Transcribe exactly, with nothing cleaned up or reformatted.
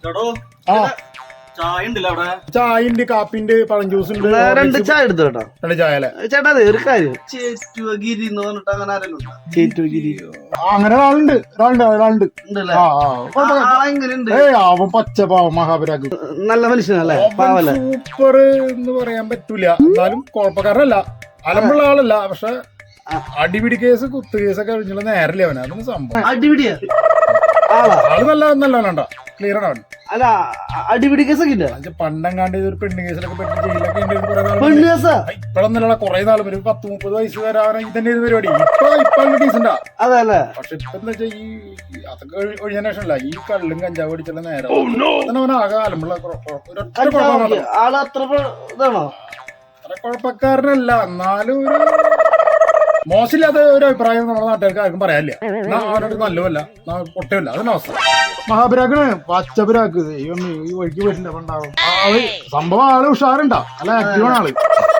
ചായ ഉണ്ട്, കാപ്പിണ്ട്, പഴം ജ്യൂസ് ഉണ്ട്. രണ്ട് ചായ എടുത്തു കേട്ടോ. രണ്ട് ചായ അല്ലേ ചേട്ടാ? അതെ ഒരു കാര്യം, അങ്ങനെ ഒരാളുണ്ട് ഒരാളുണ്ട് ഒരാളുണ്ട് ഏയ് അവൻ പച്ചപ്പാവൻ മഹാപരാഗ്. നല്ല മനുഷ്യനല്ലേ? പാവല്ലേ? സൂപ്പർ എന്ന് പറയാൻ പറ്റൂല, എന്നാലും കുഴപ്പക്കാരനല്ല, അലമ്പുള്ള ആളല്ല. പക്ഷെ അടിപിടി കേസ് കുത്തു കേസൊക്കെ കഴിഞ്ഞുള്ള നേരല്ലേ അവന്. അതൊന്നും സംഭവം അടിപിടിയാ ആള് നല്ല നല്ലവനാണ്ടാ, ക്ലിയർ ആണ് അവൻ. അല്ല അടിപിടി കേസൊക്കെ ഇല്ല. പണ്ടെങ്ങാണ്ട് ഒരു പെണ്ണ് കേസിലൊക്കെ പെട്ട് ജയിലൊക്കെ ഇപ്പഴൊന്നല്ല, കുറെ നാൾ ഒരു പത്ത് മുപ്പത് വയസ്സ് വരെ അവനെ ഇതന്നെ ഒരു പരിപാടി. ഇപ്പൊ ഇപ്പൊ ഡീസന്റാ. അതല്ലേ? പക്ഷെ ഇപ്പൊ എന്താ വെച്ചാൽ ഈ അതൊക്കെ ഒഴിഞ്ഞ ശേഷമല്ല, ഈ കള്ളും കഞ്ചാവ് അടിച്ചുള്ള നേരം അവനാകെ അലമ്പുള്ള ആള് അത്ര ഇതാണോ? അത്ര കുഴപ്പക്കാരനല്ല, എന്നാലും ഒരു മോശമില്ലാത്ത ഒരു അഭിപ്രായം നമ്മുടെ നാട്ടുകാർക്ക് ആർക്കും പറയാനില്ല. അവനോട് നല്ലതല്ല, പൊട്ടയല്ല, അതിന് അവസ്ഥ. മഹാപരാഗാണ്, പച്ചപരാഗ്. ഈ വഴിക്ക് പോയിട്ടുണ്ട്. സംഭവം ആള് ഉഷാറുണ്ടാ, നല്ല ആക്റ്റീവാണ് ആള്.